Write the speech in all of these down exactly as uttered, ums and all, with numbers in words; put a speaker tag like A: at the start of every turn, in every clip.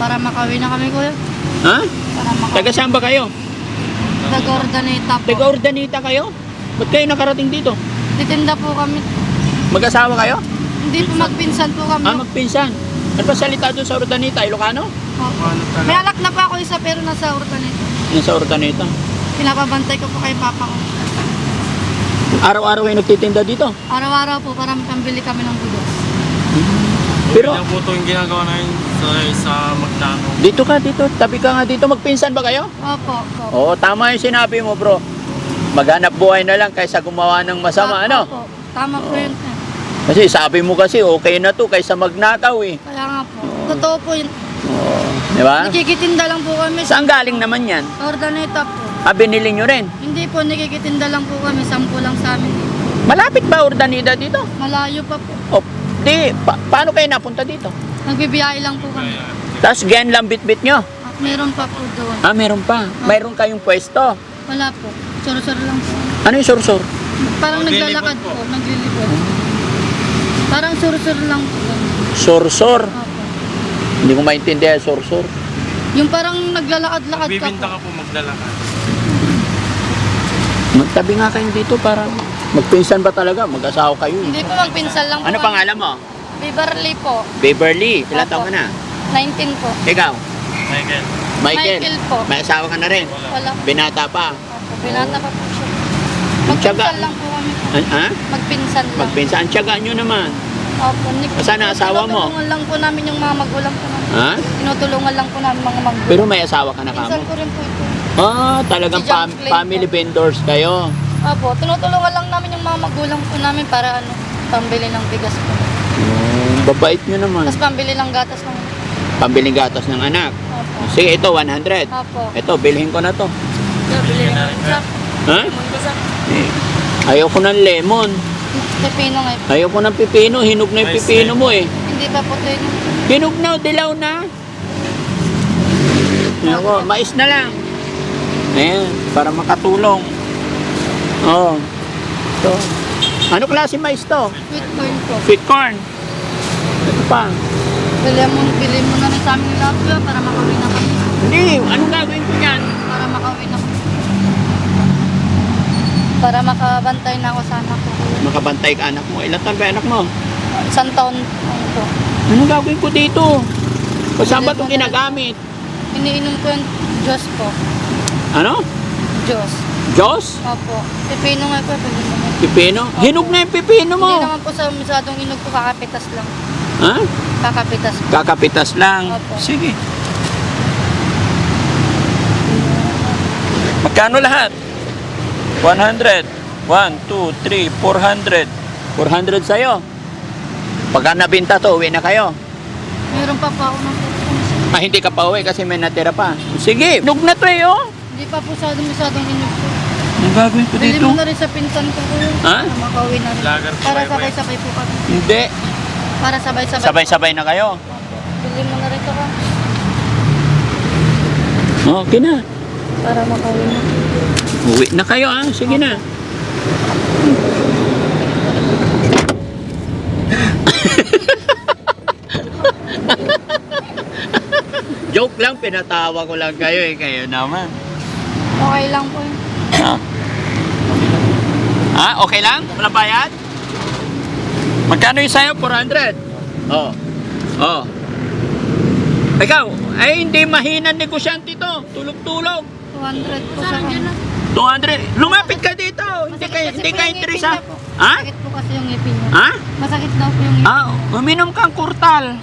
A: para makauwi na kami, kuya.
B: Ha?
A: Para makauwi.
B: Taga saan ba kayo?
A: Taga Ordaneta po.
B: Taga Urdaneta kayo? Ba't kayo nakarating dito?
A: Titinda po kami.
B: Mag-asawa kayo?
A: Hindi po magpinsan po kami.
B: Ah, magpinsan. Ano ba salita doon sa Urdaneta? Ilocano?
A: Opo. May anak na pa ako isa pero nasa Ordaneta.
B: Yan sa Urdaneta.
A: Pinapabantay ko po kay papa ko.
B: Araw-araw kayo nagtitinda dito?
A: Araw-araw po para pambili kami ng bigas.
B: Pero
C: Yan po ito yung ginagawa namin sa, sa Magdano.
B: dito ka, dito. Tabi ka nga dito. Magpinsan ba kayo?
A: Opo. Opo.
B: Oo, tama yung sinabi mo, bro. Maghanap buhay na lang kaysa gumawa ng masama,
A: Opo,
B: ano?
A: Opo. Tama po yun. eh.
B: Kasi sabi mo kasi okay na to kaysa magnakaw eh.
A: Kaya nga po. Totoo po yun.
B: Oo, di ba?
A: Nakikitinda lang po kami.
B: Saan galing naman yan?
A: Ordaneta po.
B: Ah, binili nyo rin.
A: Hindi po, nakikitinda lang po kami. Sampu lang sa amin.
B: Malapit ba Urdaneta dito?
A: Malayo pa po.
B: O, di, pa- paano kayo napunta dito?
A: Nagbibiyahe lang po kami.
B: Tapos gen lang bit-bit nyo?
A: At meron pa po doon.
B: Ah, meron pa. Mayroon kayong pwesto.
A: Wala po. Soro-soro lang po.
B: Ano yung sursur?
A: Parang
C: Maglilibot
A: naglalakad
C: po.
A: po. Naglilibot. Parang soro-soro lang po.
B: Sursur.
A: Opo.
B: Hindi ko maintindihan sursur.
A: Yung parang naglalakad-lakad ka
C: Bibinta
A: po.
C: ka po maglalakad.
B: Magtabi nga kayo dito para magpinsan ba talaga? Mag-asawa kayo. eh.
A: Hindi po magpinsan lang po.
B: Ano
A: kami.
B: pangalan mo?
A: Beverly po.
B: Beverly. Ilan
A: Opo.
B: taon ka na?
A: nineteen po.
B: Ikaw?
C: Michael.
B: Michael.
A: Michael po.
B: May asawa ka na rin?
A: Wala po.
B: Binata pa?
A: Opo. Binata pa po siya.
B: Ang tiyaga.
A: Magpinsan lang po kami. po.
B: An- Ha?
A: Magpinsan lang.
B: Magpinsan. Ang tiyaga nyo naman.
A: Opo. Ni-
B: Saan ang asawa mo?
A: Tinutulungan lang po namin yung mga magulang po namin.
B: Ha?
A: Tinutulungan lang po namin mga magulang.
B: Pero may asawa ka na
A: Pinsan
B: kamo?
A: ko rin po ito.
B: Ah, talagang
A: Si John
B: fam-
A: Clay
B: family
A: po.
B: vendors kayo.
A: Opo. Tinutulungan lang namin yung mga magulang po namin para ano, pambili ng bigas po.
B: Oh, babait nyo naman.
A: Tapos pambili ng gatas ng...
B: Pambiling gatas ng anak.
A: Opo.
B: Sige, ito, one hundred.
A: Opo.
B: Ito, bilhin ko na to.
A: Bili
C: na
A: ng
C: rin,
A: sa...
B: Ha?
A: Lemon ko sa...
B: Eh, ayoko ng lemon.
A: Pepino nga. eh.
B: Ayoko ng pipino. Hinog na yung
C: Nice
B: pipino mo eh.
A: Hindi pa po ito yun.
B: Hinog na, dilaw na. Ayoko, mais na lang. Ayan, para makatulong. Oh. Ito. Ano klase mais to?
A: Sweet corn po.
B: Sweet corn. Ito pa.
A: Bili mo, bili mo na rin sa amin lahat yun para makauwi na kami.
B: Hindi, anong gagawin ko yan?
A: Para makauwi na kami. Para makabantay na ako sa anak ko.
B: Makabantay ka anak mo. Ilan taon ba anak mo?
A: Isang taon ano po.
B: Anong gagawin ko dito? O saan ba itong ginagamit?
A: Iniinom ko yung Diyos po.
B: Ano?
A: Diyos.
B: Diyos?
A: Opo. Pipino nga po. Pipino nga.
B: Pipino? Hinog na yung pipino mo.
A: Hindi naman po sa masyadong inog po. Kakapitas lang.
B: Ha?
A: Kakapitas po.
B: Kakapitas lang.
A: Opo.
B: Sige. Magkano lahat? one hundred. one, two, three, four hundred. four hundred sa'yo. Pagka nabinta to, uwi na kayo.
A: Meron pa pa ako ng
B: Ah, hindi ka pa uwi kasi may natira pa. Sige, hinog na to eh, oh.
A: Hindi pa po masyadong masyadong inog po.
B: Anong gagawin ko
A: Bili
B: dito?
A: mo na rin sa pinsan ko po.
B: Ha?
A: Para makauwi na rin.
C: Lager po
A: Para
C: kayo,
A: sabay-sabay po kami.
B: Hindi.
A: Para sabay-sabay.
B: Sabay-sabay na kayo.
A: Opo. Bili mo na rin ito ka.
B: Okay na.
A: Para makauwi na.
B: Uwi na kayo, ah. Sige na. Joke lang, pinatawa ko lang kayo eh. Kayo naman.
A: Okay lang po yun.
B: Ah, okay lang? Wala bayad? Magkano yung sa'yo? four hundred? Oo. Oo. Ikaw, ay hindi mahinang negosyante to. Tulog-tulog.
A: two hundred po sa kanya.
B: two hundred. Lumapit ka dito. Hindi ka, hindi ka interesa. Ha?
A: Masakit po kasi yung ngipin niya.
B: Ha?
A: Masakit daw po yung ngipin.
B: Ah, uminom kang kurtal.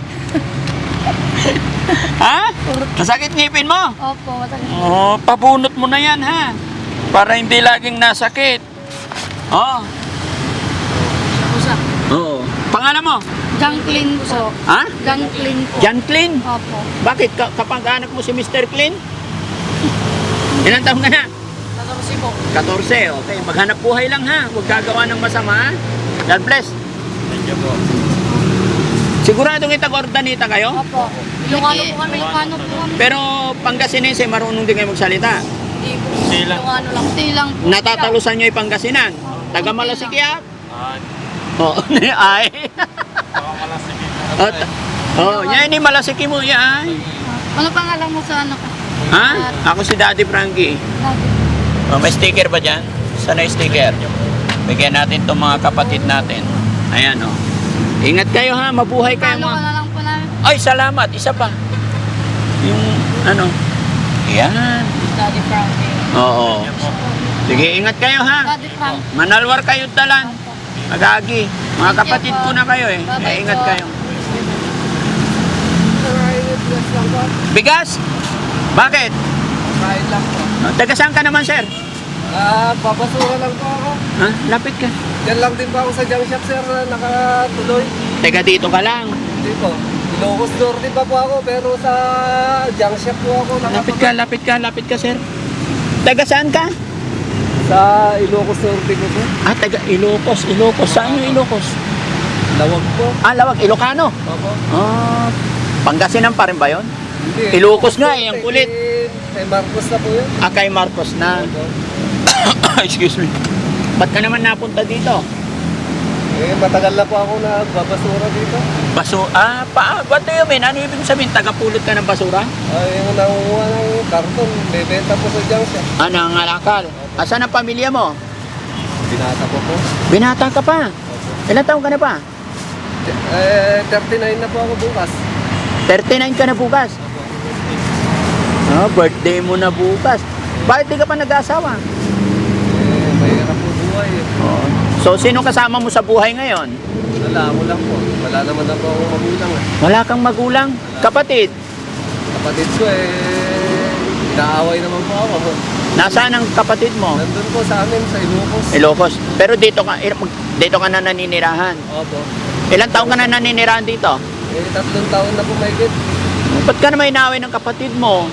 B: Ha? Masakit ngipin mo?
A: Opo, masakit.
B: Oh, pabunot mo na yan, ha? Para hindi laging nasakit. Oh.
A: Usap.
B: Oo. Pangalan mo?
A: Junklin po.
B: Ha?
A: Junklin po.
B: Jan Clean?
A: Opo.
B: Bakit? Ka kapag-anak mo si mister Clean? Ilan taon ka na?
A: Tatarasi po.
B: fourteen. Okay. Maghanap buhay lang, ha? Huwag gagawa ng masama, ha? God bless.
C: Thank you po.
B: Siguradong itag-Ordaneta kayo?
A: Opo. Ilocano po kami. Ilocano po kami.
B: Pero Pangasinense, marunong din kayo magsalita.
A: Hindi po.
C: Hindi lang.
A: Ilocano lang. Hindi lang po.
B: Natatalusan nyo yung Pangasinan. Taga Malasikiak?
C: Ah,
B: Oo. Ay.
C: baka malasig.
B: Oh, ta- Oh, yan ni malasiki mo yan.
A: Ano pangalan mo sa ano ka?
B: Ha? Ako si Daddy Frankie. Oh, may sticker ba dyan? Sana yung sticker? Bigyan natin itong mga kapatid natin. Ayan, oh. Ingat kayo ha, mabuhay kayo
A: Follow
B: mga.
A: na lang po namin.
B: Ay, salamat. Isa pa. Yung, ano. Yan.
A: Daddy Frankie.
B: Oo. Sige, ingat kayo ha.
A: Daddy Frankie.
B: Manalwar kayo talan. Magagi. Mga kapatid ko na kayo eh.
A: Bye-bye
B: Kaya ingat
A: po.
B: kayo. Bigas? Bakit?
C: Kain lang po.
B: Oh, taga saan ka naman, sir?
C: Ah, papasura lang po ako.
B: Ha? Lapit ka.
C: Yan lang din po ako sa junk shop, sir, na nakatuloy.
B: Taga dito ka lang.
C: Hindi po. Ilocos Norte pa po ako, pero sa junk shop po ako.
B: Lapit ka, lapit ka, lapit ka, sir. Taga saan ka?
C: Sa Ilocos Norte ko po.
B: Ah, taga Ilocos. Ilocos. Saan yung Ilocos?
C: Lawag po.
B: Ah, Lawag. Ilocano.
C: Opo.
B: Ah, Pangasinan pa rin ba yun?
C: Hindi.
B: Ilocos nga eh, ang kulit.
C: Kay, kay Marcos na po yun.
B: Ah, kay Marcos na.
C: Opo.
B: Excuse me. Ba't ka naman napunta dito?
C: Eh, matagal na po ako nagbabasura dito.
B: Baso, ah, pa, what do you mean? Ano ibig sabihin? Tagapulot ka ng basura?
C: Ay, yung nangunguha ng karton, bebenta po sa junk shop.
B: Ah, nangangalakal. Asan ang pamilya mo?
C: Binata po po.
B: Binata ka pa. Ilan taong ka na pa?
C: Eh, thirty-nine na po ako bukas.
B: thirty-nine ka na bukas. Ah, birthday mo na bukas. Bakit di ka pa nag-asawa?
C: Eh, mahirap po buhay eh.
B: Oh. So, sino kasama mo sa buhay ngayon?
C: Wala ako lang po. Wala naman ako akong magulang eh.
B: Wala kang magulang. Kapatid,
C: Kapatid ko eh, inaaway naman po ako.
B: nasaan ang kapatid mo?
C: Nandun po sa amin, sa Ilocos.
B: Ilocos. Pero dito ka, dito ka na naninirahan.
C: Opo.
B: Ilang taong ka na naninirahan dito?
C: Eh, tatlong taon na po may git.
B: Ba't ka na may inaway ng kapatid mo?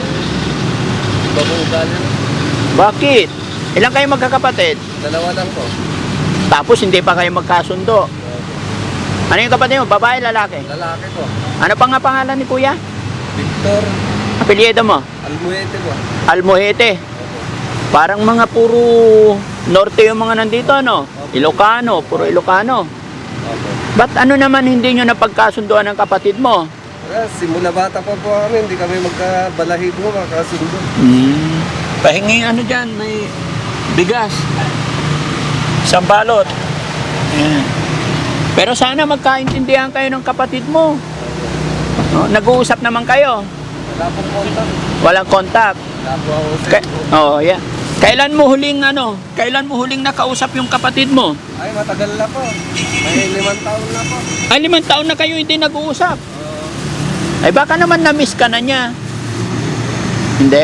C: Iba po ugali.
B: Bakit? Ilang kayo magkakapatid?
C: Dalawa lang po.
B: Tapos hindi pa kayo magkasundo. Ano yung kapatid mo? Babae, lalaki?
C: Lalaki po.
B: Ano pa nga pangalan ni kuya?
C: Victor
B: Apelyido mo?
C: Almuete po.
B: Almohete.
C: Opo.
B: Parang mga puro norte yung mga nandito, ano? Ilocano, puro Ilocano.
C: Opo.
B: Ba't ano naman hindi nyo napagkasunduan ng kapatid mo?
C: Kaya simula bata pa po kami, hindi kami magkabalahibo, magkasundo.
B: Hmm. Pahingi ano dyan, may bigas. Isang balot. Ayan. Pero sana magkaintindihan kayo ng kapatid mo. Oh, nag-uusap naman kayo.
C: Wala pong kontak.
B: Walang kontak.
C: Wala po ako sa
B: Ka- oh, yeah. Kailan mo huling ano? Kailan mo huling nakausap yung kapatid mo?
C: Ay, matagal na po. May limang taon na po.
B: Ay, limang taon na kayo hindi nag-uusap.
C: Oo.
B: Ay, baka naman na-miss ka na niya. Hindi?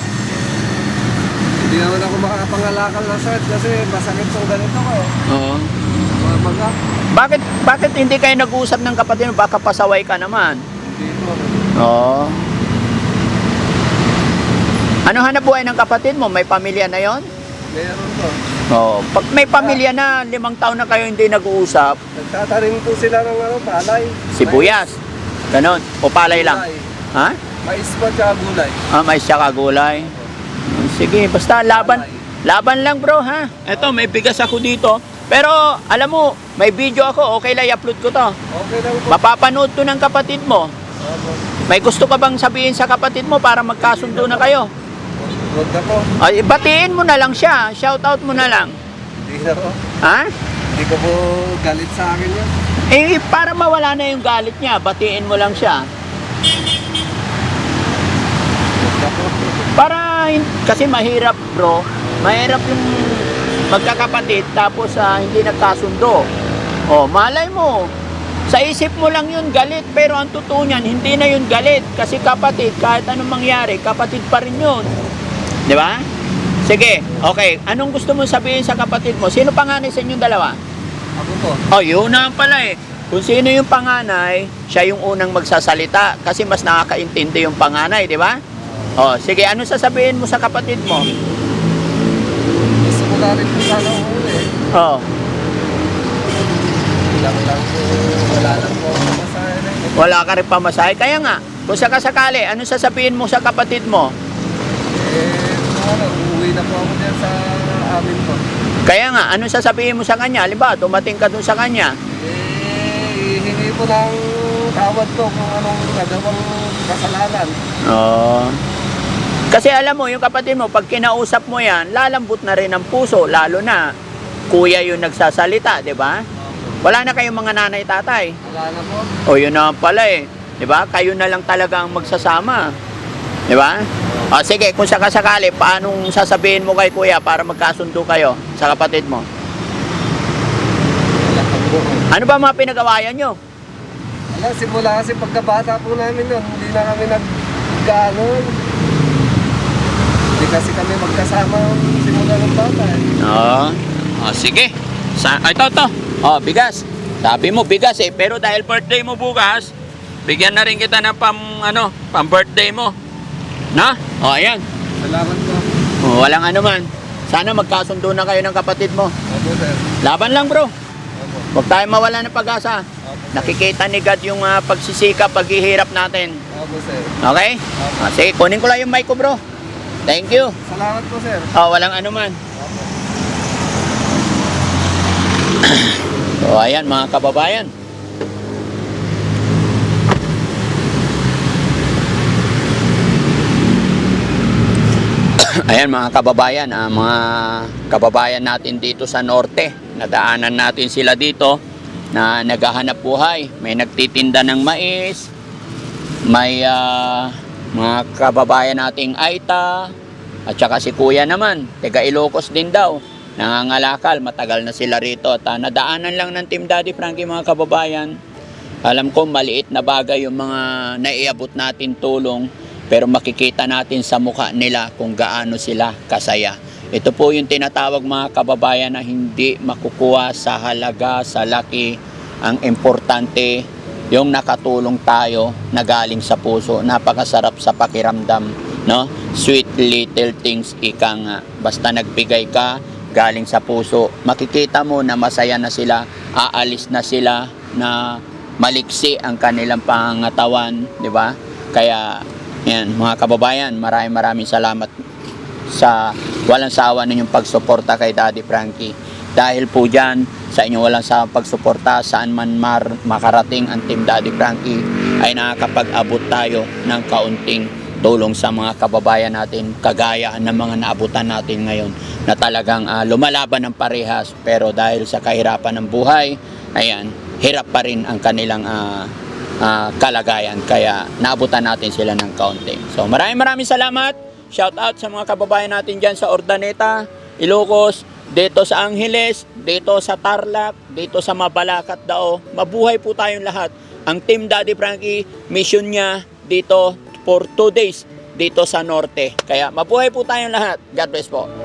C: Hindi naman ako makapangalakal na sir kasi masakit yung ganito ko eh.
B: Oo.
C: Mga maga.
B: Bakit, bakit hindi kayo nag-uusap ng kapatid mo? Baka pasaway ka naman.
C: Dito.
B: Oo. Ano hanap buhay ng kapatid mo? May pamilya na yon?
C: Meron po.
B: Oo. Pag may pamilya na, limang taon na kayo hindi nag-uusap,
C: Nagtatanim po sila ng ano, palay.
B: sibuyas. Ganon. O palay lang.
C: Gulay.
B: Ha?
C: Mais pa tsaka gulay.
B: Ah, may siyaka gulay. Sige, basta laban. Laban lang bro ha. Eto, may bigas ako dito. Pero alam mo, may video ako. Okay lang, i-upload ko to.
C: Okay lang po.
B: Mapapanood to ng kapatid mo.
C: Opo.
B: May gusto ka bang sabihin sa kapatid mo para magkasundo na kayo?
C: Huwag na po.
B: Ay, batiin mo na lang siya. Shout out mo na lang.
C: Hindi na po.
B: Ha?
C: Hindi ko po galit sa akin yun.
B: Eh, para mawala na yung galit niya, batiin mo lang siya.
C: Huwag na po.
B: Para, hin- kasi mahirap bro. Mahirap yung magkakapatid tapos ah, hindi nagkasundo. Oh, malay mo. Sa isip mo lang yun galit, pero ang totoo niyan, hindi na yun galit. Kasi kapatid, kahit anong mangyari, kapatid pa rin yun. Di ba? Sige, okay. Anong gusto mo sabihin sa kapatid mo? Sino panganay sa inyong dalawa?
C: Ako po.
B: Oh, yun na pala eh. Kung sino yung panganay, siya yung unang magsasalita. Kasi mas nakakaintindi yung panganay, di ba? Oh, sige, ano sasabihin mo sa kapatid mo?
C: Gusto ko na rin po sana ako eh.
B: Oh,
C: Lang lang po. Wala lang po ako masahe na yun.
B: wala ka rin pamasahe. Kaya nga, kung sakasakali, ano sasabihin mo sa kapatid mo?
C: Eh, ano, uuwi na po ako dyan sa amin po.
B: Kaya nga, ano sasabihin mo sa kanya? Halimbawa, dumating ka dun sa kanya.
C: Eh, hihingi po ng ipatawad ko kung anong nagawang kasalanan.
B: Oo. Kasi alam mo, yung kapatid mo, pag kinausap mo yan, lalambot na rin ang puso, lalo na kuya yung nagsasalita, di ba? Wala na kayong mga nanay, tatay.
C: Wala na po.
B: O yun na pala eh. Di ba? Kayo na lang talaga ang magsasama. Di ba? O sige, kung sakasakali, paanong sasabihin mo kay kuya para magkasundo kayo sa kapatid mo?
C: Wala na po.
B: Ano ba mga pinag-awayan nyo?
C: Wala, simula kasi pagkabata po namin yun, hindi na kami nag-gano'n. Hindi kasi kami magkasama simula ng bata eh.
B: Oo. O sige. Sa, ay, ito, ito. O, bigas. Sabi mo, bigas eh. Pero dahil birthday mo bukas, bigyan na rin kita ng pam, ano, pam birthday mo. Na? O, ayan.
C: Salamat po.
B: O, walang ano man. Sana magkasundo na kayo ng kapatid mo.
C: Opo, sir.
B: Laban lang, bro.
C: Opo.
B: Huwag tayo mawala ng pag-asa.
C: Opo, sir.
B: Nakikita ni God yung uh, pagsisikap, paghihirap natin.
C: Opo, sir.
B: Okay?
C: Opo.
B: O, sige, kunin ko lang yung mic ko, bro. Thank you.
C: Salamat po, sir.
B: O, walang ano man.
C: Opo.
B: So, ayan mga kababayan. Ayan mga kababayan, ah, mga kababayan natin dito sa norte. Nadaanan natin sila dito na naghahanap buhay. May nagtitinda ng mais. May ah, mga kababayan nating Aita. At saka si Kuya naman, taga Ilocos din daw. Nangangalakal, matagal na sila rito. At uh, nadaanan lang ng Team Daddy Frankie mga kababayan. Alam ko maliit na bagay yung mga naiabot natin tulong, pero makikita natin sa mukha nila kung gaano sila kasaya. Ito po yung tinatawag mga kababayan na hindi makukuha sa halaga, sa laki. Ang importante, yung nakatulong tayo na galing sa puso. Napakasarap sa pakiramdam, no? Sweet little things, ika nga. Basta nagbigay ka galing sa puso, makikita mo na masaya na sila, aalis na sila, na maliksi ang kanilang pangangatawan, di ba? Kaya yan mga kababayan, maraming maraming salamat sa walang sawa ninyong pagsuporta kay Daddy Frankie. Dahil po dyan, sa inyong walang sawang pagsuporta, saan man mar makarating ang Team Daddy Frankie, ay nakakapag-abot tayo ng kaunting tulong sa mga kababayan natin, kagaya ng mga naabutan natin ngayon na talagang uh, lumalaban ng parehas, pero dahil sa kahirapan ng buhay, ayan, hirap pa rin ang kanilang uh, uh, kalagayan, kaya naabutan natin sila ng kaunting. So maraming maraming salamat. Shout out sa mga kababayan natin dyan sa Ordaneta, Ilocos, dito sa Angeles, dito sa Tarlac, dito sa Mabalacat Dao. Mabuhay po tayong lahat. Ang Team Daddy Frankie, mission niya dito for two days dito sa norte. Kaya mabuhay po tayong lahat. God bless po.